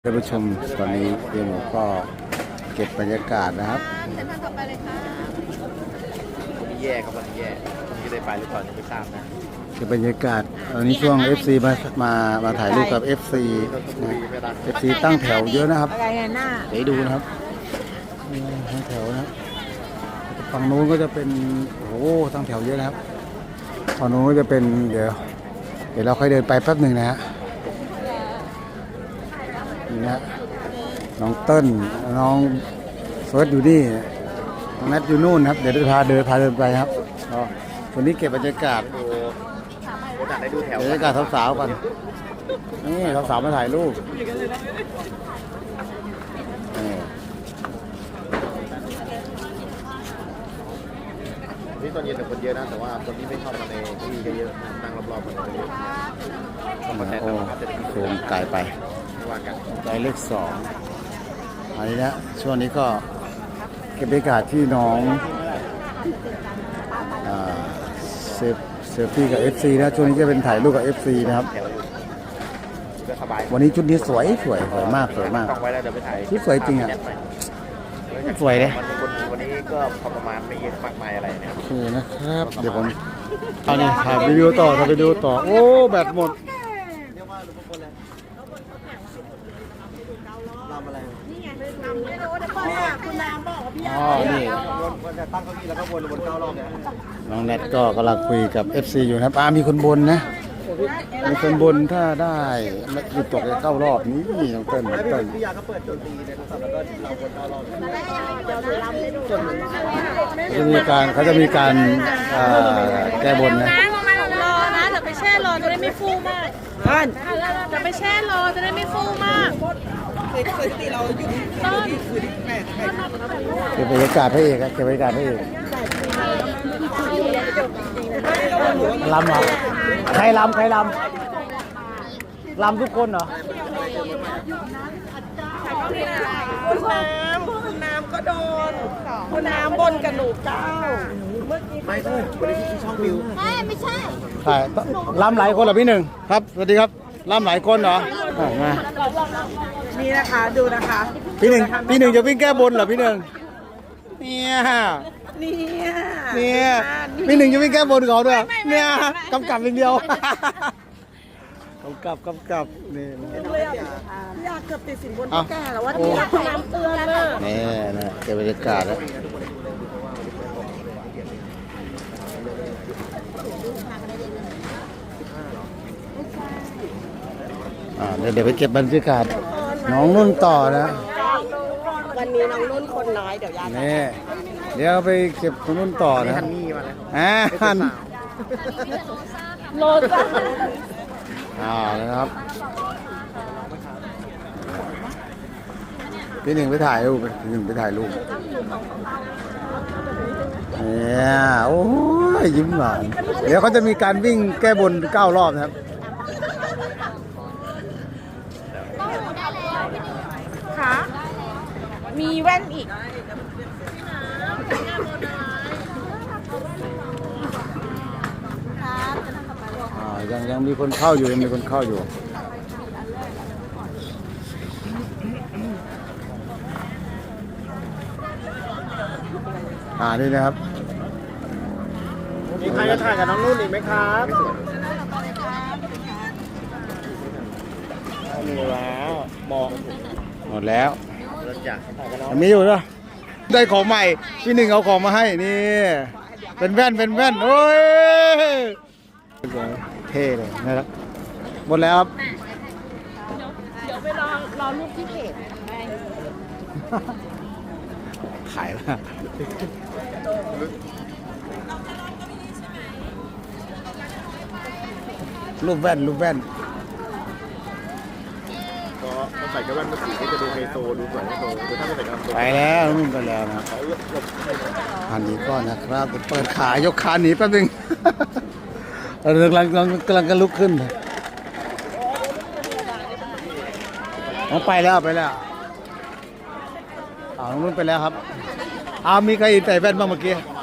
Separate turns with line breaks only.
ท่านผู้ชมตอนนี้เดี๋ยวผมก็เก็บบรรยากาศนะครับ
เส้นทางต่อไปเลยค่ะ
วันนี้แย่ครับวันนี้แย่วันนี้ได้ไปหรือเปล่ายังไม่ทราบนะ
เก็บบรรยากาศตอนนี้ช่วง FC มาถ่ายรูปกับ FC ตั้งแถวเยอะนะครับเดี๋ยวดูนะครับตั้งแถวนะครับฝั่งนู้นก็จะเป็นโอ้โหตั้งแถวเยอะนะครับฝั่งนู้นก็จะเป็นเดี๋ยวเราค่อยเดินไปแป๊บหนึ่งนะฮะนี่นะน้องเติ้ลน้องเฟิร์สอยู่นี่น้องนัทอยู่นู่นครับเดี๋ยวพาเดินไปครับวันนี้เก็บบรรยากาศ
ได้ดูแถว
บรรยากาศสาวๆกันนี่สาวๆมาถ่ายรูป
นี่ตอนเย็นแต่คนเยอะนะแต่ว่าคนที่ไม่เข้ามาในที่ก็เยอะนั่งรอบๆมันเยอะ
โอ้โคมไกลไปไกลเลข2อันนี้นะช่วงนี้ก็เก็บบรรยากาศที่น้องเซลฟี่กับ FC นะช่วงนี้จะเป็นถ่ายรูปกับ FC นะครับวันนี้ชุดนี้สวยมาก
ต้องไว้แล้วเดี๋ยวไปถ่าย
ชุดสวยจริงอ่ะสวยเลย
วันนี้ก็พอประมาณไม่เยอะมากมายอะไรเนี่ย
คือนะครับเดี๋ยวผมเอานี่ถ่ายวิดีโอต่อโอ้แบตหมดอ๋อนี่
ตั้งเก้าอี้แล้วก็วน9 รอบเนี่ย
น้องแนทก็กำลังคุยกับ FC อยู่นะครับมีคนบนนะมีคนบนถ้าได้หยุดตกจะ9 รอบนี้น้องเติ้ล
พี่ยาก็เปิดโจมตีในโทรศัพท์แล้วก็เราวน9 รอบ
เขาจะมีการแก้บนนะ
รอนะจะไปแช่รอจะได้ไม่ฟูมากจะไปแช่รอจะได้ไม่ฟูมากเคยตีเราอยู่
เก็บบรรยากาศพระเอกเก็บบรรยากาศพระเอกลำเหรอใครลำทุกคนเหรอ
คุณน้ำก็โดนคุณน้ำบนกระดูกเก้า
ไม่ใช่วันนี้ที่ช่องวิว
ไม่ใช่
ใช่ลำหลายคนเหรอพี่หนึ่งครับสวัสดีครับลำหลายคนเหรอมา
นี่นะคะดูนะคะ
พี่หนึ่งจะวิ่งแก้บนเหรอพี่หนึ่งเนี่ยพี่หนึ่งจะวิ่งแก้บนเขาด้วยเนี่ยกำกับอย่างเดียวกำกับนี่
อยากเกือบติดสินบนแก่แล้วว่าที่น้ำเตือนเลย
นี่นะเก็บบรรยากาศแล้วเดี๋ยวไปเก็บบรรยากาศน้องนุ่นต่อนะ
วันนี้น้องนุ่นคนน้อยเดี๋ยวยา
นี่เดี๋ยวไปเก็บน้องนุ่นต่อนะฮัน
โลจ้า
นะครับพี่หนึ่งไปถ่ายรูปเนี่ยโอ้ยยิ้มหวานเดี๋ยวเขาจะมีการวิ่งแก้บน9 รอบนะครับ
ค่ะมีแว่นอีก
ยังมีคนเข้าอยู่นี่นะครับ
มีใครจะถ่ายกับน้องนุ่นอีกไหมครับมีแล้ว
หมดแล้วมีอยู่ด้วยได้ของใหม่พี่หนึ่งเอาของมาให้นี่เป็นแว่นโอ้ยเท่เลยนะครับหมดแล้วครับ
เดี๋ยวไปรอรูปที่เพจ
ขายแล้วรูปแว่น
ก็ใส่กระแว่นมาสีก็จะดูไฮโซดูสวยไฮโซถ้าไม่ใส่กระแว่น
ไปแล้วนุ่มไปแล้วนะคันนี้ก็นะครับเปิดขายกขาหนีแป๊บนึงกำลังลุกขึ้นไปแล้วนุ่นไปแล้วครับมีใครใส่แว่นบ้างเมื่อกี้